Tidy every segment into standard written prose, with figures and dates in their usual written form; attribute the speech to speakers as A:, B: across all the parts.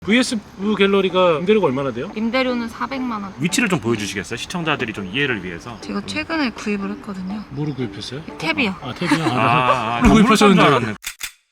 A: VS 갤러리가 임대료가 얼마나 돼요?
B: 임대료는 400만 원.
C: 위치를 좀 보여주시겠어요? 시청자들이 좀 이해를 위해서.
B: 제가 최근에 구입을 했거든요.
A: 뭐로 구입했어요?
B: 탭이요.
A: 아 탭이요?
C: 건물
A: 구입하셨는데.
C: 줄 알았네.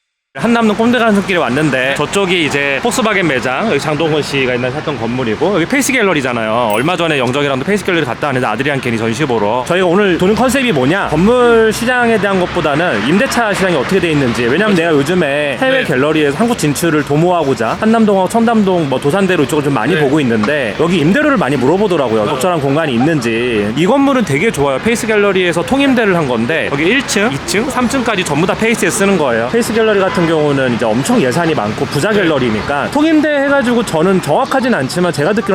C: 한남동 꼼데간숲길에 왔는데 저쪽이 이제 폭스바겐 매장, 여기 장동건 씨가 옛날에 샀던 건물이고 여기 페이스 갤러리잖아요. 얼마 전에 영적이랑도 페이스 갤러리 갔다 왔는데 아드리안 켄이 전시 보러. 저희가 오늘 도는 컨셉이 뭐냐, 건물 시장에 대한 것보다는 임대차 시장이 어떻게 돼 있는지. 왜냐면 내가 요즘에 해외 갤러리에서 한국 진출을 도모하고자 한남동하고 청담동 뭐 도산대로 이쪽을 좀 많이 보고 있는데 여기 임대료를 많이 물어보더라고요. 적절한 공간이 있는지. 이 건물은 되게 좋아요. 페이스 갤러리에서 통임대를 한 건데 여기 1층, 2층, 3층까지 전부 다 페이스에 쓰는 거예요. 페이스 갤러리 같은 경우는 이제 엄청 예산이 많고 부자 갤러리니까 통임대 해가지고 저는 정확하진 않지만 제가 듣기로는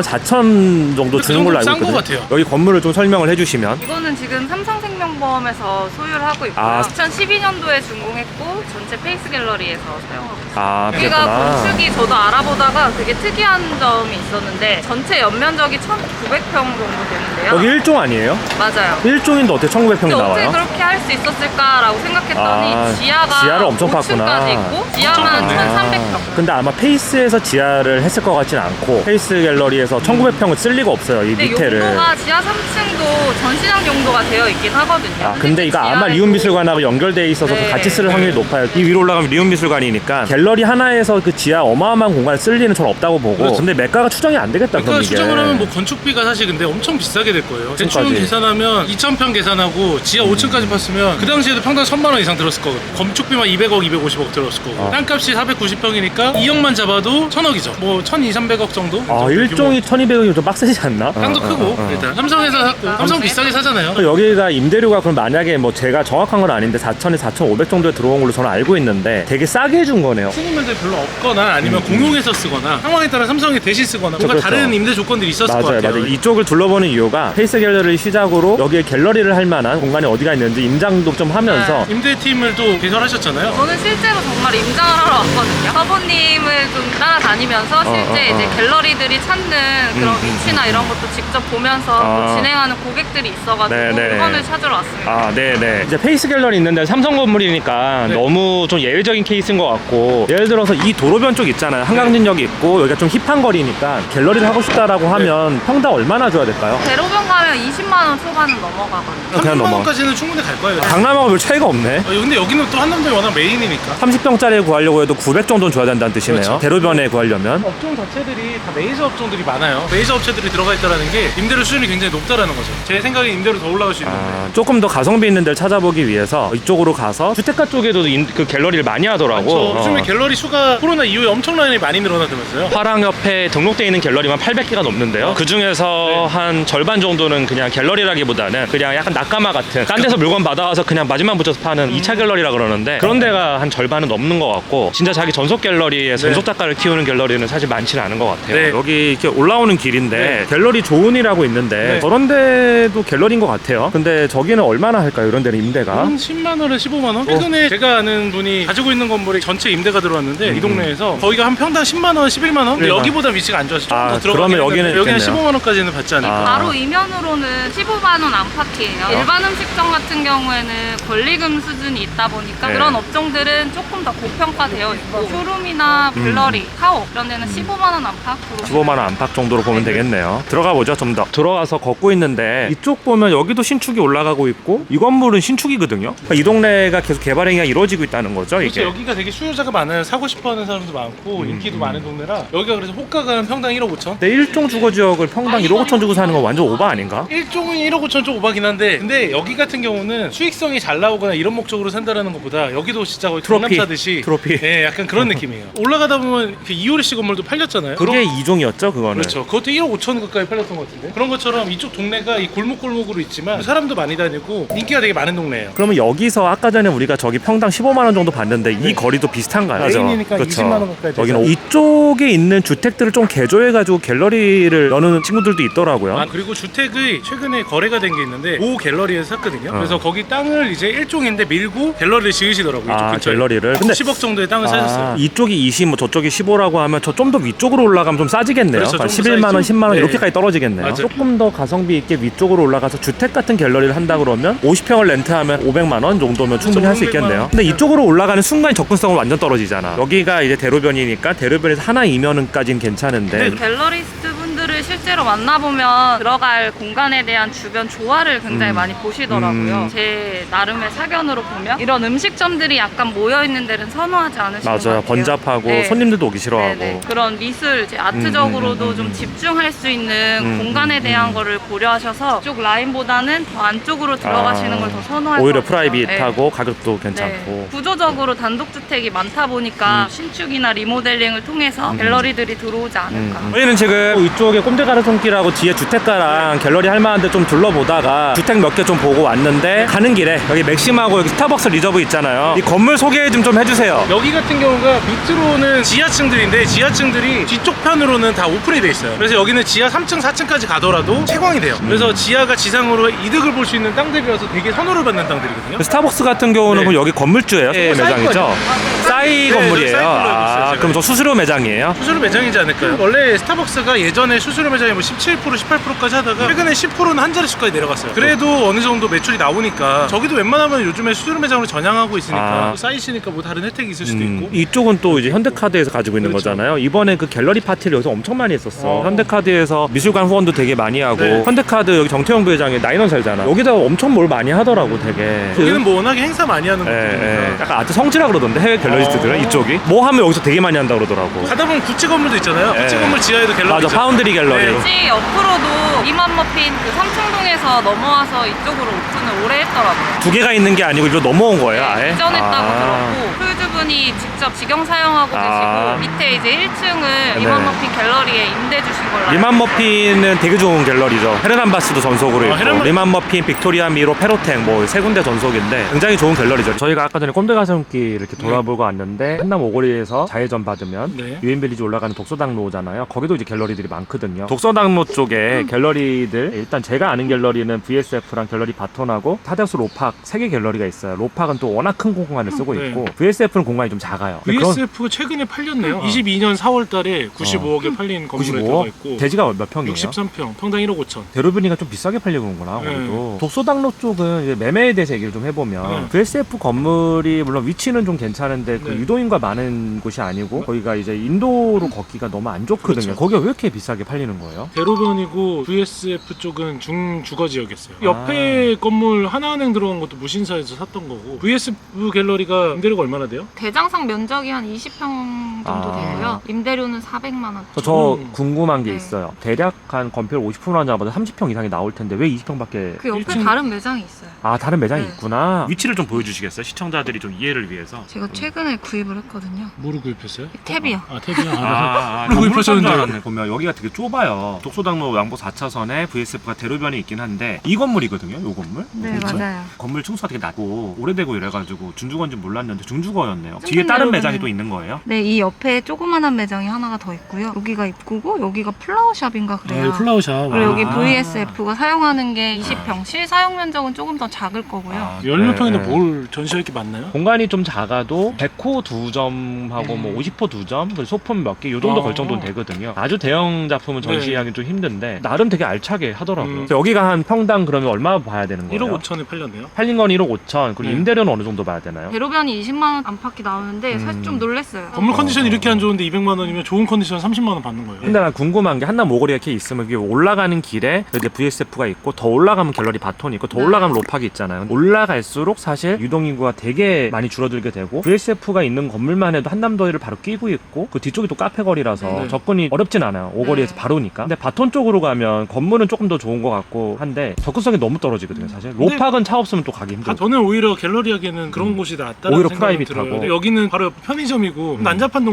C: 4천 정도 주는 걸로 알고
A: 싼 거
C: 있거든요.
A: 같아요.
C: 여기 건물을 좀 설명을 해주시면.
B: 이거는 지금 삼성생명보험에서 소유를 하고 있고요.
C: 아.
B: 2012년도에 준공했고 전체 페이스 갤러리에서 사용하고 있어요.
C: 아,
B: 여기가
C: 그랬구나.
B: 건축이 저도 알아보다가 되게 특이한 점이 있었는데 전체 연면적이 1,900평 정도 되는데요.
C: 여기 1종 아니에요?
B: 맞아요.
C: 1종인데 어떻게 1900평이
B: 근데 어떻게
C: 나와요?
B: 그렇게 할 수 있었을까라고 생각했더니
C: 아,
B: 지하가
C: 지하를 엄청
B: 5층까지
C: 팠구나.
B: 있고 지하만 1,300평.
C: 근데 아마 페이스에서 지하를 했을 것 같진 않고 페이스 갤러리에서 1900평을 쓸 리가 없어요. 이
B: 근데
C: 밑에를.
B: 용도가 지하 3층도 전시장 용도가 되어 있긴 하거든요.
C: 아, 근데 이거 아마
B: 지하에도
C: 리움미술관하고 연결돼 있어서
B: 네.
C: 같이 쓸 확률이 높아요. 이 위로 올라가면 리움미술관이니까 갤러리 하나에서 그 지하 어마어마한 공간을 쓸 리는 전 없다고 보고.
A: 그렇죠.
C: 근데 매가가 추정이 안 되겠다.
A: 그러니까
C: 그럼 이게.
A: 추정을 하면 뭐 건축비가 사실 근데 엄청 비싸게 될 거예요. 대충
C: 5층까지.
A: 계산하면 2,000평 계산하고 지하 5층까지 팠으면 그 당시에도 평당 1,000만 원 이상 들었을 거거든요. 건축비만 200억, 250억 들었을 거고. 땅값이 490평이니까 2억만 잡아도 1,000억이죠. 뭐 1,200~300억 정도?
C: 아, 1종이 1200억이 좀 빡세지 않나?
A: 땅도 크고 일단 삼성에서 샀고 삼성 비싸게 사잖아요.
C: 여기가 임대료가 그럼 만약에 뭐 제가 정확한 건 아닌데 4,000에 4,500 정도에 들어온 걸로 저는 알고 있는데 되게 싸게 해준 거네요.
A: 쓰는 면들이 별로 없거나 아니면 공용해서 쓰거나 상황에 따라 삼성이 대신 쓰거나 뭔가
C: 그렇죠.
A: 다른 임대 조건들이 있었을 것
C: 맞아요,
A: 같아요.
C: 맞아요. 이쪽을 둘러보는 이유가 페이스 갤러리를 시작으로 여기에 갤러리를 할 만한 공간이 어디가 있는지 임장도 좀 하면서.
A: 임대팀을 또 개설하셨잖아요.
B: 저는 실제로 정말 임장을 하러 왔거든요. 사부님을 좀 따라다니면서 실제 이제 갤러리들이 찾는 그런 위치나 이런 것도 직접 보면서 또 진행하는 고객들이 있어가지고
C: 네네.
B: 물건을 찾으러 왔습니다.
C: 아, 네네. 이제 페이스 갤러리 있는데 삼성 건물이니까
A: 네.
C: 너무 좀 예외적인 케이스인 것 같고, 예를 들어서 이 도로변 쪽 있잖아요. 한강진역이 있고 여기가 좀 힙한 거리니까 갤러리를 하고 싶다라고 하면 평당 얼마나 줘야 될까요?
B: 대로변 가면 20만 원 초반은 넘어가거든요.
C: 그냥
A: 30만
C: 넘어.
A: 원까지는 충분히 갈 거예요.
C: 강남하고 별 차이가 없네.
A: 근데 여기는 또 한남동이 워낙 메인이니까.
C: 30평짜리 구하려고 해도 900 정도는 줘야 된다는 뜻이네요.
A: 그렇죠.
C: 대로변에 구하려면.
A: 업종 자체들이 다 메이저 업종들이 많아요. 메이저 업체들이 들어가 있다는 게 임대료 수준이 굉장히 높다라는 거죠. 제 생각에 임대료 더 올라갈 수 있는데.
C: 조금 더 가성비 있는 데를 찾아보기 위해서 이쪽으로 가서 주택가 쪽에도 그 갤러리를 많이 하더라고.
A: 요즘에 갤러리 수가 코로나 이후에 엄청나게 많이 늘어나면서요.
C: 화랑협회에 등록되어 있는 갤러리만 800개가 넘는데요. 그 중에서 한 절반 정도는 그냥 갤러리라기보다는 그냥 약간 낙가마 같은 딴 데서 물건 받아와서 그냥 마진만 붙여서 파는 2차 갤러리라 그러는데 그런 데가 한 절반은 넘는 것 같고, 진짜 자기 전속 갤러리에 전속 작가를 키우는 갤러리는 사실 많지는 않은 것 같아요.
A: 네.
C: 여기 이렇게 올라오는 길인데
A: 네.
C: 갤러리 조은이라고 있는데
A: 네.
C: 저런 데도 갤러리인 것 같아요. 근데 저기는 얼마나 할까요? 이런 데는 임대가?
A: 한 10만 원에 15만 원? 최근에 제가 아는 분이 가지고 있는 건물이 전체 임대가 들어왔는데 이 동네에서 거기가 한 평당 10만 원, 11만 원? 근데
C: 네.
A: 여기보다 위치가 안 좋아서 조금 더 들어가긴
C: 그러면 여기는
A: 했는데 여기는
C: 있겠네요.
A: 15만 원까지는 받지 않을까.
B: 바로 이면으로는 15만 원 안팎이에요. 일반 음식점 같은 경우에는 권리금 수준이 있다 보니까
C: 네.
B: 그런 업종들은 조금 더 고평가되어 있고 쇼룸이나 블러리, 카오 이런 데는 15만 원 안팎으로
C: 15만 원 안팎 정도로 보면 되겠네요. 들어가 보죠. 좀 더 들어가서 걷고 있는데 이쪽 보면 여기도 신축이 올라가고 있고 이 건물은 신축이거든요. 그러니까 이 동네가 계속 개발 행위가 이루어지고 있다는 거죠.
A: 그렇죠.
C: 이게.
A: 여기가 되게 수요자가 많아요. 사고 싶어하는 사람도 많고 인기도 많은 동네라 여기가 그래서 호가가 평당 1억 5천.
C: 근데 1종 주거 지역을 평당 1억 5천 주고 사는 건 완전 오바 아닌가?
A: 1종은 1억 5천 좀 오바긴 한데 근데 여기 같은 경우는 수익성이 잘 나오거나 이런 목적으로 산다라는 것보다 여기도 진짜 거의
C: 트로피.
A: 강남 사듯이
C: 트로피.
A: 네, 약간 그런 느낌이에요. 올라가다 보면 그 이효리 씨 건물도 팔렸잖아요.
C: 그게 2종이었죠 그거는.
A: 그렇죠. 그것도 1억 5천 가까이 팔렸던 것 같은데 그런 것처럼 이쪽 동네가 이 골목골목으로 있지만 사람도 많이 다니고 인기가 되게 많은 동네예요.
C: 그러면 여기서 아까 전에 우리가 저기 평당 15만 원 정도 봤는데 이 거리도 비슷한가요?
A: 메인이니까
C: 그렇죠.
A: 20만 원 가까이
C: 여기는
A: 되죠.
C: 이쪽에 있는 주택들을 좀 개조해가지고 갤러리를 여는 친구들도 있더라고요.
A: 아 그리고 주택의 최근에 거래가 된 게 있는데 모 갤러리에서 샀거든요. 그래서 거기 땅을 이제 1종인데 밀고 갤러리를 지으시더라고요. 이쪽 근처에.
C: 갤러리를. 근데
A: 10억 정도의 땅을 사셨어요.
C: 이쪽이 20, 뭐 저쪽이 15라고 하면 저 좀 더 위쪽으로 올라가면 좀 싸지겠네요.
A: 그렇죠,
C: 한
A: 좀더
C: 11만 원,
A: 싸지죠.
C: 10만 원
A: 네.
C: 이렇게까지 떨어지겠네요.
A: 맞아요.
C: 조금 더 가성비 있게 위쪽으로 올라가서 주택 같은 갤러리를 한다 그러면 50평을 렌트하면 500만 원 정도면 충분히 할 수
A: 500만
C: 있겠네요.
A: 원.
C: 근데 이쪽으로 올라가는 순간 접근성은 완전 떨어지잖아. 여기가 이제 대로변이니까 대로변에서 하나 이면은까지는 괜찮은데
B: 갤러리스트 분들을 실제로 만나보면 들어갈 공간에 대한 주변 조화를 굉장히 많이 보시더라고요. 제 나름의 사견으로 보면 이런 음식점들이 약간 모여있는 데는 선호하지 않으시는 것
C: 맞아요.
B: 같아요.
C: 번잡하고
B: 네.
C: 손님들도 오기 싫어하고.
B: 네네. 그런 미술, 이제 아트적으로도 좀 집중할 수 있는 공간에 대한 거를 고려하셔서 이쪽 라인보다는 더 안쪽으로 들어가시는 걸 더 선호할
C: 오히려
B: 것 같아요.
C: 프라이빗하고 가격도
B: 네.
C: 괜찮고.
B: 네. 구조적으로 단독주택이 많다 보니까 신축이나 리모델링을 통해서 갤러리들이 들어오지 않을까.
C: 저희는 지금 이쪽에 꼼데가르 손길하고 뒤에 주택가랑 갤러리 할 만한데 좀 둘러보다가 주택 몇 개 좀 보고 왔는데 가는 길에 여기 맥심하고 여기 스타벅스 리저브 있잖아요. 이 건물 소개 좀 해주세요.
A: 여기 같은 경우가 밑으로는 지하층들인데 지하층들이 뒤쪽 편으로는 다 오픈이 돼 있어요. 그래서 여기는 지하 3층, 4층까지 가더라도 채광이 돼요. 그래서 지하가 지상으로 이득을 볼 수 있는 땅들이라서 되게 선호를 받는 땅들이거든요.
C: 스타벅스 같은 경우는
A: 네.
C: 그럼 여기 건물주예요? 매장이죠? 싸이
A: 네,
C: 건물이에요.
A: 싸이 걸로 알고 있어요,
C: 그럼 저 수수료 매장이에요?
A: 수수료 매장이지 않을까요? 원래 스타벅스가 예전에 수수료 매장이 뭐 17%, 18%까지 하다가 최근에 10%는 한 자릿수까지 내려갔어요. 그래도 어느 정도 매출이 나오니까 저기도 웬만하면 요즘에 수수료 매장으로 전향하고 있으니까 쌓이시니까 뭐 다른 혜택이 있을 수도 있고.
C: 이쪽은 또 이제 현대카드에서 가지고 있는
A: 그렇죠.
C: 거잖아요. 이번에 그 갤러리 파티를 여기서 엄청 많이 했었어. 현대카드에서 미술관 후원도 되게 많이 하고
A: 네.
C: 현대카드 여기 정태영 부회장이 나인원 살잖아. 여기다 엄청 뭘 많이 하더라고 되게.
A: 여기는 뭐 워낙에 행사 많이 하는
C: 예,
A: 곳이니까.
C: 예. 약간 아트 성지라 그러던데 해외 갤러리스트들은 이쪽이 뭐 하면 여기서 되게 많이 한다 그러더라고.
A: 가다 보면 구찌 건물도 있잖아요. 구찌
C: 네.
A: 건물 지하에도 갤러리
C: 맞아,
A: 있잖아요.
C: 파운드리 갤러리.
A: 네.
B: 굳이 옆으로도 이만 머핀 그 삼청동에서 넘어와서 이쪽으로 오픈을 오래 했더라고요.
C: 두 개가 있는 게 아니고 이리로 넘어온 거예요, 아예?
B: 이전했다고 들었고 크루즈분이 직접 직영 사용하고 계시고 밑에 이제 1층을 이만 머핀 갤러리에 임대 주신 걸로
C: 리만 머핀은 되게 좋은 갤러리죠. 헤르난 바스도 전속으로 있고 리만 머핀, 빅토리아 미로, 페로텍 뭐 세 군데 전속인데 굉장히 좋은 갤러리죠. 저희가 아까 전에 꼼데가슴길 이렇게 돌아보고 왔는데 한남 오거리에서 좌회전 받으면
A: 네.
C: 유엔빌리지 올라가는 독서당로잖아요. 거기도 이제 갤러리들이 많거든요. 독서당로 쪽에 갤러리들 일단 제가 아는 갤러리는 VSF랑 갤러리 바톤하고 타데우스 로팍 3개 갤러리가 있어요. 로팍은 또 워낙 큰 공간을 쓰고
A: 네.
C: 있고 VSF는 공간이 좀 작아요. 근데
A: VSF가 최근에 팔렸네요. 22년 4월 달에 95억에 팔린 건물에 들어가
C: 95억?
A: 있고
C: 대지가 몇 평이에요?
A: 63평, 평당 1억 5천.
C: 대로변이가 좀 비싸게 팔리고 오는구나.
A: 네.
C: 거기도 독서당로 쪽은 이제 매매에 대해서 얘기를 좀 해보면 VSF 건물이 물론 위치는 좀 괜찮은데 그
A: 네.
C: 유도인과 많은 곳이 아니고 거기가 이제 인도로 걷기가 너무 안 좋거든요.
A: 그렇죠.
C: 거기가 왜 이렇게 비싸게 팔리는 거예요?
A: 대로변이고 VSF 쪽은 중주거 지역이었어요. 옆에 건물 하나은행 들어간 것도 무신사에서 샀던 거고 VSF 갤러리가 임대료가 얼마나 돼요?
B: 대장상 면적이 한 20평 정도 되고요. 임대료는 400만 원.
C: 저 궁금한 게
B: 네.
C: 있어요. 대략 한 건폐율 50%나 잡아도 30평 이상이 나올 텐데 왜 20평밖에
B: 그 옆에
A: 1층
B: 다른 매장이 있어요.
C: 다른 매장이
B: 네.
C: 있구나. 위치를 좀 보여주시겠어요? 시청자들이 좀 이해를 위해서.
B: 제가 최근에 구입을 했거든요.
A: 뭐를 구입했어요?
B: 탭이요.
A: 탭이요?
C: 건물
A: 구입하셨는데.
C: 줄 알았네. 보면 여기가 되게 좁아요. 독소당로 양보 4차선에 VSF가 대로변이 있긴 한데 이 건물이거든요. 이 건물.
B: 네,
C: 그렇죠?
B: 맞아요.
C: 건물 층수가 되게 낮고 오래되고 이래가지고 중주건지 몰랐는데 중주거였네요.
B: 좀
C: 뒤에 다른
B: 대로변에-
C: 매장이 또 있는 거예요?
B: 네, 이 옆에 조그만한 매장이 하나가 더 있고요. 여기가 입구고 여기가 플라워샵인가 그래요.
A: 플라워샵.
B: 그리고 여기 VSF가 사용하는 게 20평, 실사용 면적은 조금 더 작을 거고요.
A: 열몇 평인데
C: 네.
A: 뭘 전시할 게 많나요?
C: 공간이 좀 작아도 100호 2점하고 뭐 50호 2점, 그리고 소품 몇 개 이 정도 걸 정도는 되거든요. 아주 대형 작품은 전시하기 좀 힘든데 나름 되게 알차게 하더라고요. 그래서 여기가 한 평당 그러면 얼마 봐야 되는 거예요?
A: 1억 5천에 팔렸네요.
C: 팔린 건 1억 5천, 그리고
A: 네.
C: 임대료는 어느 정도 봐야 되나요?
B: 대로변이 20만 원 안팎이 나오는데 사실 좀 놀랐어요.
A: 건물 컨디션이 이렇게 안 좋은데 200만 원이면 좋은 컨디션 30만 원 받는 거예요.
C: 근데 난 궁금한 게 한남 오거리가 이렇게 있으면 이게 올라가는 길에 이제 VSF가 있고 더 올라가면 갤러리 바톤이 있고 더 올라가면 로팍이 있잖아요. 올라갈수록 사실 유동인구가 되게 많이 줄어들게 되고 VSF가 있는 건물만 해도 한남더위를 바로 끼고 있고 그 뒤쪽이 또 카페 거리라서
A: 네.
C: 접근이 어렵진 않아요. 오거리에서
B: 네.
C: 바로니까. 근데 바톤 쪽으로 가면 건물은 조금 더 좋은 것 같고 한데 접근성이 너무 떨어지거든요. 사실
A: 근데
C: 로팍은 차 없으면 또 가기 힘들고.
A: 저는 오히려 갤러리 하기에는 그런 곳이 낫다는
C: 오히려
A: 생각이
C: 프라이빗하고.
A: 들어요. 근데 여기는 바로 옆에 편의점이고 난잡한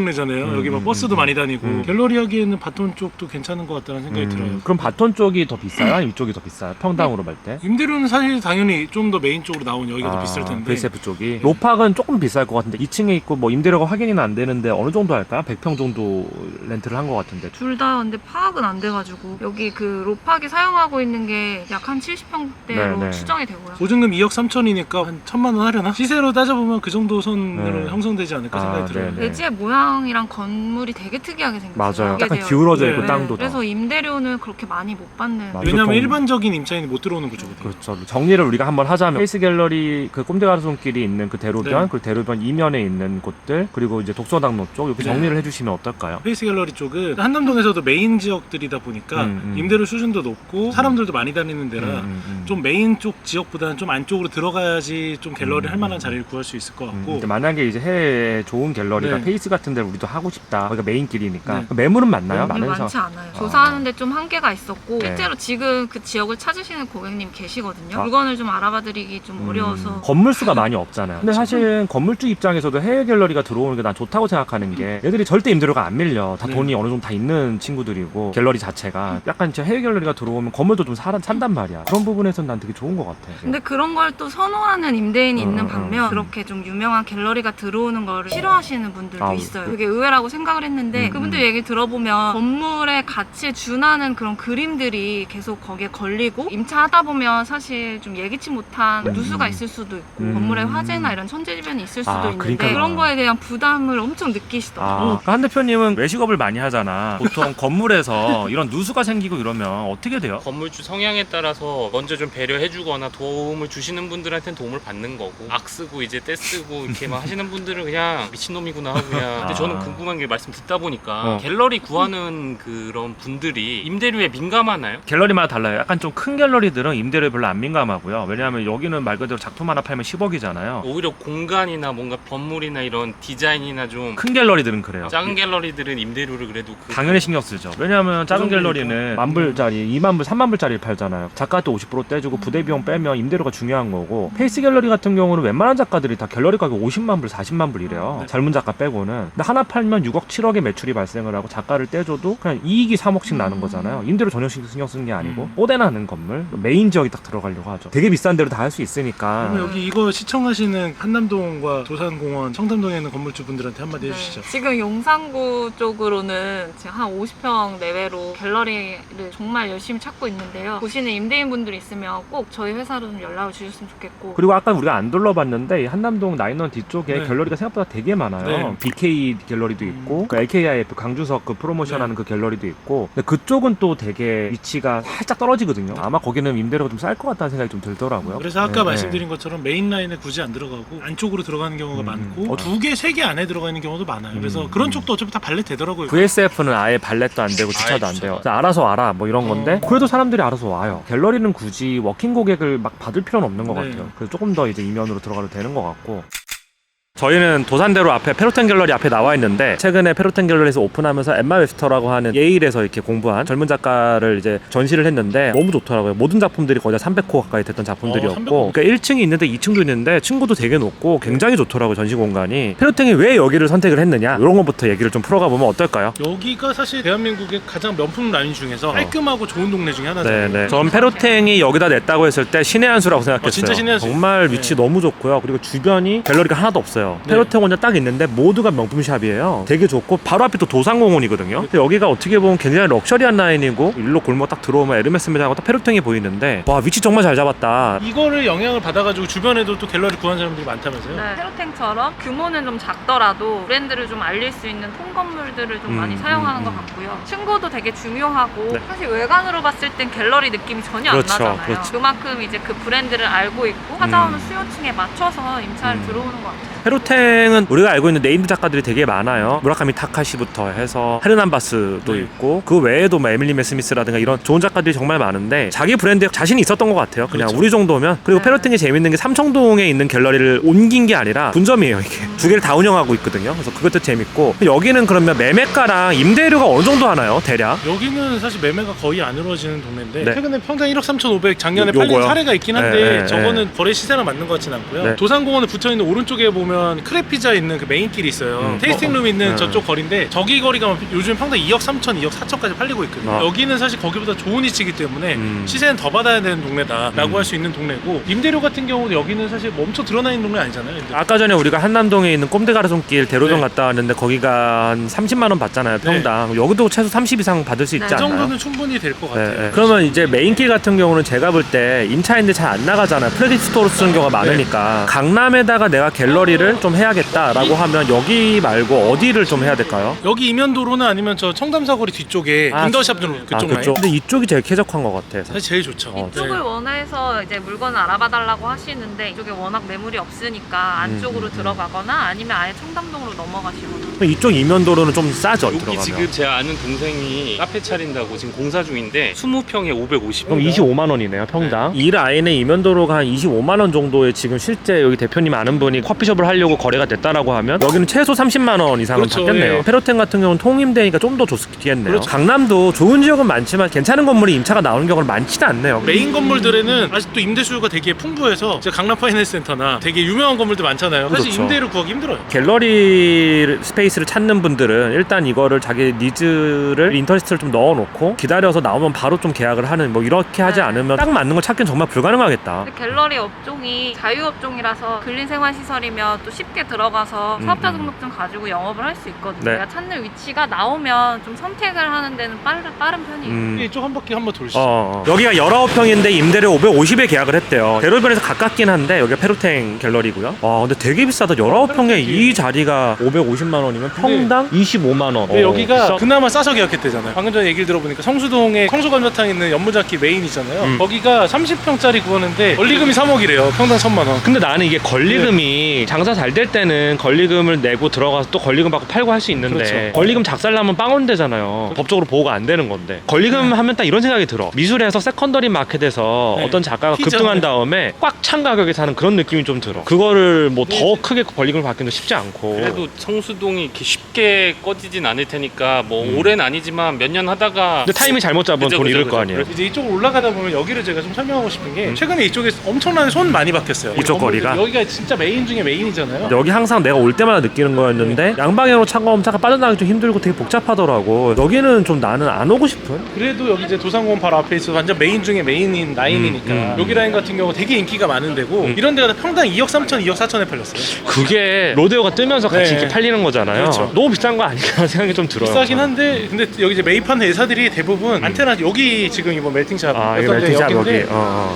A: 동네잖아요. 여기 막 버스도 많이 다니고 갤러리 하기에는 바톤 쪽도 괜찮은 것 같다는 생각이 들어요.
C: 그럼 바톤 쪽이 더 비싸요? 아니면 이쪽이 더 비싸요? 평당으로 볼 때?
A: 임대료는 사실 당연히 좀 더 메인 쪽으로 나온 여기가 더 비쌀 텐데.
C: VSF 쪽이 로팍은 조금 비쌀 것 같은데 2층에 있고 뭐 임대료가 확인이 안 되는데 어느 정도 할까요? 100평 정도 렌트를 한 것 같은데.
B: 둘 다 근데 파악은 안 돼가지고 여기 그 로팍이 사용하고 있는 게 약 한 70평대로
C: 네네.
B: 추정이 되고요.
A: 보증금 2억 3천이니까 한 1,000만 원 하려나? 시세로 따져보면 그 정도 선으로
C: 네.
A: 형성되지 않을까 생각이 들어요.
C: 네네.
B: 대지의 모양이랑 건물이 되게 특이하게 생겼어요.
C: 맞아요. 약간
B: 되게
C: 기울어져
A: 네.
C: 있고
A: 네.
C: 땅도 더.
B: 그래서 임대료는 그렇게 많이 못 받는.
C: 맞아요.
A: 왜냐면
C: 보통-
A: 일반적인 임차인이 못 들어오는 구조거든요.
C: 그렇죠. 정리를 우리가 한번 하자면 페이스 갤러리 그 꼼데가르손길이 있는 그 대로변,
A: 네.
C: 그리고 대로변 이면에 있는 곳들, 그리고 이제 독서당로 쪽 이렇게
A: 네.
C: 정리를 해주시면 어떨까요?
A: 페이스 갤러리 쪽은 한남동에서도 메인 지역들이다 보니까 임대료 수준도 높고 사람들도 많이 다니는 데라 좀 메인 쪽 지역보다는 좀 안쪽으로 들어가야지 좀 갤러리 할 만한 자리를 구할 수 있을 것 같고.
C: 근데 만약에 이제 해외에 좋은 갤러리가
A: 네.
C: 페이스 같은 데를 우리도 하고 싶다. 거기가 메인 길이니까
A: 네.
C: 매물은 많나요?
B: 근데
C: 많은
B: 많지
C: 상-
B: 않아요. 조사하는데 좀 한계가 있었고
C: 네.
B: 실제로 지금 그 지역을 찾으시는 고객님 계시거든요.
C: 아.
B: 물건을 좀 알아봐드리기 좀 어려워서.
C: 건물 수가 많이 없잖아요. 근데 사실 건물주 입장에서도 해외 갤러리가 들어오는 게 난 좋다고 생각하는 게 얘들이 절대 임대료가 안 밀려. 다
A: 네.
C: 돈이 어느 정도 다 있는 친구들이고 갤러리 자체가 약간 진짜 해외 갤러리가 들어오면 건물도 좀 산단 말이야. 그런 부분에서는 난 되게 좋은 것 같아.
B: 근데 그런 걸 또 선호하는 임대인이 있는
C: 음.
B: 반면 그렇게 좀 유명한 갤러리가 들어오는 거를 싫어하시는 분들도
C: 아,
B: 있어요. 되게 의외라고 생각을 했는데 그분들 얘기 들어보면 건물의 가치에 준하는 그런 그림들이 계속 거기에 걸리고 임차하다 보면 사실 좀 예기치 못한 누수가 있을 수도 있고 건물의 화재나 이런 천재지변이 있을 수도 있는데
C: 그러니까.
B: 그런 거에 대한 부담을 엄청 느끼시더라고요.
C: 그러니까 한 대표님은 외식업을 많이 하잖아. 보통 건물에서 이런 누수가 생기고 이러면 어떻게 돼요?
D: 건물주 성향에 따라서 먼저 좀 배려해주거나 도움을 주시는 분들한테는 도움을 받는 거고 악 쓰고 이제 떼 쓰고 이렇게 막 하시는 분들은 그냥 미친놈이구나 하고 그냥. 근데 저는 궁금한 게 말씀 듣다 보니까 갤러리 구하는 그런 분들이 임대료에 민감하나요?
C: 갤러리마다 달라요. 약간 좀 큰 갤러리들은 임대료에 별로 안 민감하고요. 왜냐하면 여기는 말 그대로 작품 하나 팔면 10억이잖아요.
D: 오히려 공간이나 뭔가 건물이나 이런 디자인이나 좀
C: 큰 갤러리들은 그래요.
D: 작은 갤러리들은 임대료를 그래도
C: 당연히 신경 쓰죠. 왜냐하면 작은
A: 정도니까.
C: 갤러리는 10,000불짜리, 20,000불, 30,000불짜리를 팔잖아요. 작가한테 50% 떼주고 부대 비용 빼면 임대료가 중요한 거고 페이스 갤러리 같은 경우는 웬만한 작가들이 다 갤러리 가격 50만 불, 40만 불 이래요.
A: 네.
C: 젊은 작가 빼고는. 근데 하나 팔면 6억, 7억의 매출이 발생을 하고 작가를 떼줘도 그냥 이익이 3억씩 나는 거잖아요. 임대료 전혀 신경 쓰는 게 아니고 뽀대 나는 건물, 메인 지역이 딱 들어가려고 하죠. 되게 비싼 데로 다 할 수 있으니까.
A: 그러면 여기 이거 시청하시는 한남동과 도산공원, 청담동에 있는 건물주분들한테 한마디 해주시죠.
B: 지금 용산구 쪽으로는 지금 한 50평 내외로 갤러리를 정말 열심히 찾고 있는데요. 보시는 임대인분들 있으면 꼭 저희 회사로 좀 연락을 주셨으면 좋겠고.
C: 그리고 아까 우리가 안 둘러봤는데 이 한남동 나인원 뒤쪽에
A: 네.
C: 갤러리가 생각보다 되게 많아요.
A: 네.
C: BK 갤러리도 있고 그 LKIF 강주석 그 프로모션하는 그 갤러리도 있고 근데 그쪽은 또 되게 위치가 살짝 떨어지거든요. 아마 거기는 임대료가 좀 쌀 것 같다는 생각이 좀 들더라고요.
A: 그래서 아까
C: 네,
A: 말씀드린 것처럼 메인 라인에 굳이 안 들어가고 안쪽으로 들어가는 경우가 많고 2개, 3개 안에 들어가 있는 경우도 많아요. 그래서 그런 쪽도 어차피 다 발렛 되더라고요.
C: VSF는 아예 발렛도 안 되고 주차도 안 돼요. 그래서 알아서 와라 뭐 이런 건데 그래도 사람들이 알아서 와요. 갤러리는 굳이 워킹 고객을 막 받을 필요는 없는 것
A: 네.
C: 같아요. 그래서 조금 더 이제 이면으로 들어가도 되는 것 같고. 저희는 도산대로 앞에 페로텐 갤러리 앞에 나와 있는데 최근에 페로텐 갤러리에서 오픈하면서 엠마 웨스터라고 하는 예일에서 이렇게 공부한 젊은 작가를 이제 전시를 했는데 너무 좋더라고요. 모든 작품들이 거의 다 300호 가까이 됐던 작품들이었고
A: 300호.
C: 그러니까 1층이 있는데 2층도 있는데 층고도 되게 높고 굉장히 좋더라고요. 전시 공간이. 페로텐이 왜 여기를 선택을 했느냐 이런 것부터 얘기를 좀 풀어가 보면 어떨까요?
A: 여기가 사실 대한민국의 가장 명품 라인 중에서 깔끔하고 좋은 동네 중에 하나잖아요.
C: 네네. 전 페로텐이 여기다 냈다고 했을 때 신의 한 수라고 생각했어요.
A: 진짜 신의 한 수.
C: 정말 위치 너무 좋고요. 그리고 주변이 갤러리가 하나도 없어요.
A: 네.
C: 페로텐 혼자 딱 있는데 모두가 명품샵이에요. 되게 좋고 바로 앞이 또 도산공원이거든요. 근데 여기가 어떻게 보면 굉장히 럭셔리한 라인이고 일로 골목 딱 들어오면 에르메스 매장하고 딱 페로텐이 보이는데 와 위치 정말 잘 잡았다.
A: 이거를 영향을 받아가지고 주변에도 또 갤러리 구한 사람들이 많다면서요?
B: 네, 페로탱처럼 규모는 좀 작더라도 브랜드를 좀 알릴 수 있는 통건물들을 좀 많이 사용하는 것 같고요. 층고도 되게 중요하고
C: 네.
B: 사실 외관으로 봤을 땐 갤러리 느낌이 전혀
C: 그렇죠,
B: 안 나잖아요.
C: 그렇죠.
B: 그만큼 이제 그 브랜드를 알고 있고 찾아오는 수요층에 맞춰서 임차를 들어오는 것 같아요.
C: 페로텐은 우리가 알고 있는 네임드 작가들이 되게 많아요. 무라카미 타카시부터 해서 헤르난 바스도
A: 네.
C: 있고 그 외에도 뭐 에밀리 메스미스라든가 이런 좋은 작가들이 정말 많은데 자기 브랜드에 자신이 있었던 것 같아요. 그냥
A: 그렇죠.
C: 우리 정도면. 그리고
B: 네.
C: 페로텐이 재밌는 게 삼청동에 있는 갤러리를 옮긴 게 아니라 분점이에요. 이게 두 개를 다 운영하고 있거든요. 그래서 그것도 재밌고 여기는 그러면 매매가랑 임대료가 어느 정도 하나요? 대략?
A: 여기는 사실 매매가 거의 안 이루어지는 동네인데
C: 네.
A: 최근에 평당 1억 3,500 작년에
C: 요거요?
A: 팔린 사례가 있긴 한데
C: 네, 네,
A: 저거는 거래 시세랑 맞는 것 같진 않고요.
C: 네.
A: 도산공원에 붙어있는 오른쪽에 보면 보면 크랩 피자 있는 그 메인 길이 있어요. 테이스팅 룸 있는 저쪽 거리인데 저기 거리가 요즘 평당 2억 3천, 2억 4천까지 팔리고 있거든요. 여기는 사실 거기보다 좋은 위치이기 때문에 시세는 더 받아야 되는 동네다라고 할 수 있는 동네고, 임대료 같은 경우도 여기는 사실 멈춰 드러나 있는 동네 아니잖아요.
C: 아까 전에 우리가 한남동에 있는 꼼데가르손길 대로변
A: 네.
C: 갔다 왔는데 거기가 한 30만 원 받잖아요, 평당. 여기도 최소 30 이상 받을 수 있지
B: 네.
A: 그
C: 않나요?
A: 정도는 충분히 될 것 같아요.
C: 네. 그러면 이제 메인길 같은 경우는 제가 볼 때 임차인들 잘 안 나가잖아요. 프레딧 스토어로 쓰는 경우가 많으니까 강남에다가 내가 갤러리를 좀 해야겠다라고 하면 여기 말고 어디를 좀 해야 될까요?
A: 여기 이면도로는 아니면 저 청담사거리 뒤쪽에 인더샵 그쪽 라인.
C: 그쪽? 근데 이쪽이 제일 쾌적한 것 같아.
A: 사실 제일 좋죠.
B: 이쪽을 원해서 이제 물건을 알아봐달라고 하시는데 이쪽에 워낙 매물이 없으니까 안쪽으로 들어가거나 아니면 아예 청담동으로 넘어가시거나.
C: 이쪽 이면도로는 좀 싸죠,
D: 여기
C: 들어가면.
D: 지금 제가 아는 동생이 카페 차린다고 지금 공사 중인데 20평에 550.
C: 그럼 25만 원이네요, 평당. 이 라인의 이면도로가 한 25만 원 정도에 지금 실제 여기 대표님 아는 분이 커피숍을 하려고 거래가 됐다라고 하면 여기는 최소 30만 원 이상은
A: 그렇죠,
C: 받겠네요.
A: 예.
C: 페로텐 같은 경우는 통임되니까 좀 더 좋겠네요.
A: 그렇죠.
C: 강남도 좋은 지역은 많지만 괜찮은 건물이 임차가 나오는 경우는 많지는 않네요.
A: 메인 건물들에는 아직도 임대 수요가 되게 풍부해서 이제 강남 파이낸스 센터나 되게 유명한 건물들 많잖아요. 사실
C: 그렇죠.
A: 임대로 구하기 힘들어요.
C: 갤러리 스페이스를 찾는 분들은 일단 이거를 자기 니즈를 인터리스트를 좀 넣어놓고 기다려서 나오면 바로 좀 계약을 하는 뭐 이렇게 하지
B: 네.
C: 않으면 딱 맞는 걸 찾기는 정말 불가능하겠다.
B: 근데 갤러리 업종이 자유업종이라서 근린생활시설이면 또 쉽게 들어가서 사업자 등록증 가지고 영업을 할 수 있거든요.
C: 네.
B: 내가 찾는 위치가 나오면 좀 선택을 하는 데는 빠른 편이에요.
A: 이쪽 한 바퀴 한번 돌시죠.
C: 여기가 19평인데 임대료 550에 계약을 했대요. 대로변에서 가깝긴 한데 여기가 페로텐 갤러리고요. 근데 되게 비싸다. 19평에 이 자리가 550만 원이면 평당 25만 원.
A: 근데 여기가
C: 비싸.
A: 그나마 싸서 계약했대잖아요. 방금 전에 얘기를 들어보니까 성수동에 성수감자탕 있는 연무장기 메인 있잖아요. 거기가 30평짜리 구하는데 원리금이 3억이래요. 평당 1,000만 원.
C: 근데 나는 이게 권리금이 장사 잘 될 때는 권리금을 내고 들어가서 또 권리금 받고 팔고 할 수 있는데
A: 그렇죠.
C: 권리금 작살나면 빵원되잖아요. 법적으로 보호가 안 되는 건데 권리금 하면 딱 이런 생각이 들어. 미술에서 세컨더리 마켓에서
A: 네.
C: 어떤 작가가
A: 피자.
C: 급등한 다음에 꽉 찬 가격에 사는 그런 느낌이 좀 들어. 그거를 뭐 더 크게 권리금을 받기는 쉽지 않고.
D: 그래도 성수동이 이렇게 쉽게 꺼지진 않을 테니까 뭐 올해는 아니지만 몇 년 하다가
C: 근데 타이밍 잘못 잡으면
D: 그죠,
C: 돈
D: 그죠,
C: 잃을
D: 그죠.
C: 거 아니에요.
A: 이제 이쪽으로 올라가다 보면 여기를 제가 좀 설명하고 싶은 게 최근에 이쪽에 엄청나게 손 많이 바뀌었어요.
C: 이쪽 거리가?
A: 여기가 진짜 메인 중에 메인이잖아요.
C: 여기 항상 내가 올 때마다 느끼는 거였는데 양방향으로 차가 오면 차가 빠져나가기 좀 힘들고 되게 복잡하더라고. 여기는 좀 나는 안 오고 싶은?
A: 그래도 여기 이제 도산공원 바로 앞에 있어 완전 메인 중에 메인인 라인이니까 여기 라인 같은 경우 되게 인기가 많은 데고 이런 데가 평당 2억 3천, 2억 4천에 팔렸어요.
C: 그게 로데오가 뜨면서 같이
A: 네.
C: 이렇게 팔리는 거잖아요.
A: 그렇죠.
C: 너무 비싼 거 아닌가 생각이 좀 들어요.
A: 비싸긴 한데 근데 여기 이제 매입하는 회사들이 대부분 안테나 여기 지금 이번 멜팅샵
C: 이게 멜팅샵 여기.
A: 여기인데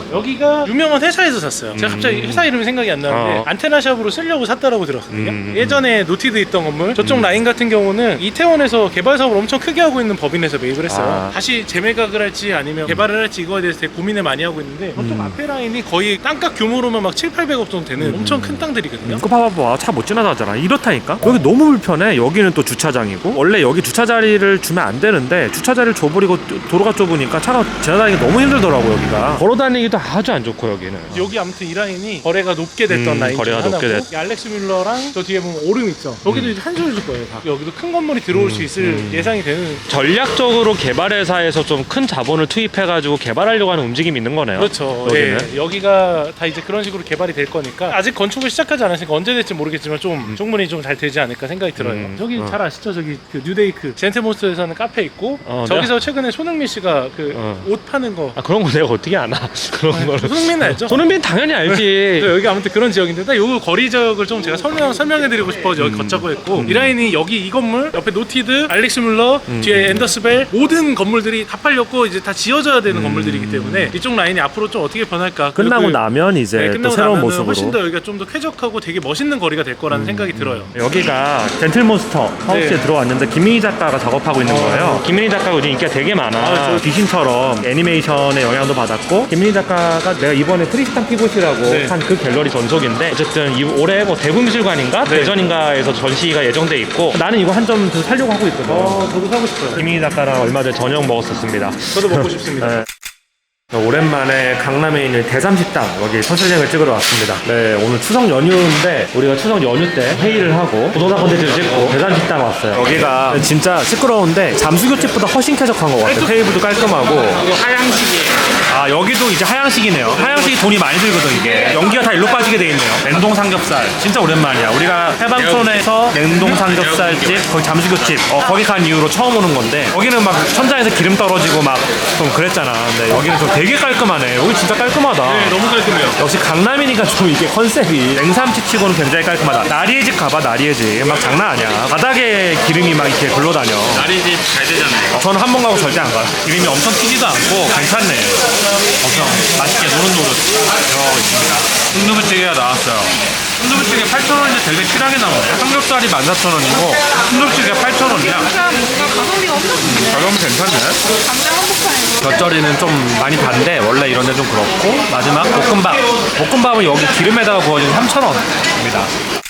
A: 여기가 유명한 회사에서 샀어요. 제가 갑자기 회사 이름이 생각이 안 나는데 안테나샵으로 쓰려고 샀다라고 들었거든요. 예전에 노티드 있던 건물 저쪽 라인 같은 경우는 이태원에서 개발 사업을 엄청 크게 하고 있는 법인에서 매입을 했어요. 다시 재매각을 할지 아니면 개발을 할지 이거에 대해서 되게 고민을 많이 하고 있는데 저쪽 앞에 라인이 거의 땅값 규모로만 막 7, 800억 정도 되는 엄청 큰 땅들이거든요.
C: 그거 봐봐. 차 못 지나가잖아. 이렇다니까? 여기 너무 불편해. 여기는 또 주차 장이고 원래 여기 주차 자리를 주면 안 되는데 주차 자리를 줘버리고 도로가 좁으니까 차가 지나다니기 너무 힘들더라고. 여기가 걸어 다니기도 아주 안 좋고 여기는.
A: 여기 아무튼 이 라인이 거래가 높게 됐던 라인
C: 거래가
A: 중
C: 높게
A: 하나고 이 알렉스 뮬러랑 저 뒤에 보면 오름 있죠. 여기도 이제 한 소리일 거예요. 다. 여기도 큰 건물이 들어올 수 있을 예상이 되는.
C: 전략적으로 개발회사에서 좀 큰 자본을 투입해가지고 개발하려고 하는 움직임이 있는 거네요.
A: 그렇죠.
C: 여기는.
A: 예, 여기가 다 이제 그런 식으로 개발이 될 거니까 아직 건축을 시작하지 않았으니까 언제 될지 모르겠지만 좀 충분히 좀 잘 되지 않을까 생각이 들어요. 저기 잘 아시죠? 저기 그 뉴데이크 젠테몬스터에서는 카페 있고 저기서 최근에 손흥민 씨가 그 옷 파는 거.
C: 그런 거 내가 어떻게 아나? 그런 거를.
A: 손흥민 알죠?
C: 손흥민 당연히 알지.
A: 여기 아무튼 그런 지역인데 딱 요 거리 지역을 좀 제가 설명해드리고 싶어서 여기 걷자고 했고 이 라인이 여기 이 건물 옆에 노티드, 알렉스 뮬러, 뒤에 앤더스벨 모든 건물들이 다 팔렸고 이제 다 지어져야 되는 건물들이기 때문에 이쪽 라인이 앞으로 좀 어떻게 변할까
C: 끝나고
A: 그리고
C: 나면 이제 또
A: 끝나고
C: 새로운
A: 나면은
C: 모습으로.
A: 훨씬 더 여기가 좀 더 쾌적하고 되게 멋있는 거리가 될 거라는 생각이 들어요.
C: 여기가 젠틀몬스터 하우스에
A: 네.
C: 들어왔는데 김민희 작가가 작업하고 있는 거예요. 김민희 작가가 요즘 인기가 되게 많아.
A: 저-
C: 귀신처럼 애니메이션의 영향도 받았고 김민희 작가가 내가 이번에 트리스탄 피봇이라고
A: 네.
C: 한 그 갤러리 전속인데 어쨌든 올해 뭐 대구미술관인가
A: 네.
C: 대전인가에서 전시가 예정돼 있고 나는 이거 한 점 더 살려고 하고 있거든.
A: 저도 사고 싶어요.
C: 김민희 작가랑 얼마 전에 저녁 먹었었습니다.
A: 저도 먹고 싶습니다.
C: 네. 오랜만에 강남에 있는 대삼식당 여기 선실장을 찍으러 왔습니다. 네, 오늘 추석 연휴인데 우리가 추석 연휴 때 회의를 하고 부동산 콘텐츠를 찍고 대삼식당 왔어요. 여기가 진짜 시끄러운데 잠수교집보다 훨씬 쾌적한 것 같아요. 테이블도 깔끔하고.
D: 이거 하양식이에요.
C: 아, 여기도 이제 하양식이네요. 하양식이 돈이 많이 들거든 이게. 연기가 다 일로 빠지게 돼 있네요. 냉동 삼겹살 진짜 오랜만이야. 우리가 해방촌에서 냉동 삼겹살집 거기 잠수교집 거기 간 이후로 처음 오는 건데 여기는 막 천장에서 기름 떨어지고 막 좀 그랬잖아. 근데 여기는 좀 되게 깔끔하네. 여기 진짜 깔끔하다.
D: 네, 너무 깔끔해요.
C: 역시 강남이니까 좀 이게 컨셉이 냉삼치 치고는 굉장히 깔끔하다. 나리의 집 가봐. 나리의 집 막 장난 아니야. 바닥에 기름이 막 이렇게 굴러다녀.
D: 나리집 잘 되잖아요.
C: 저는 한 번 가고 절대 안 가요. 기름이 엄청 튀지도 않고 괜찮네. 엄청 맛있게 노릇노릇 되어 있습니다. 순두부찌개가 나왔어요. 순두부찌개 8,000원인데 되게 실하게 나오네. 삼겹살이 14,000원이고 순두부찌개 8,000원이야.
B: 뭔가 가성비가 엄청 좋네.
C: 가격은 괜찮네.
B: 감자 한복판에서.
C: 곁절이는 좀 많이 단데 원래 이런 데 좀 그렇고 마지막 볶음밥. 볶음밥은 여기 기름에다가 구워진 3,000원입니다.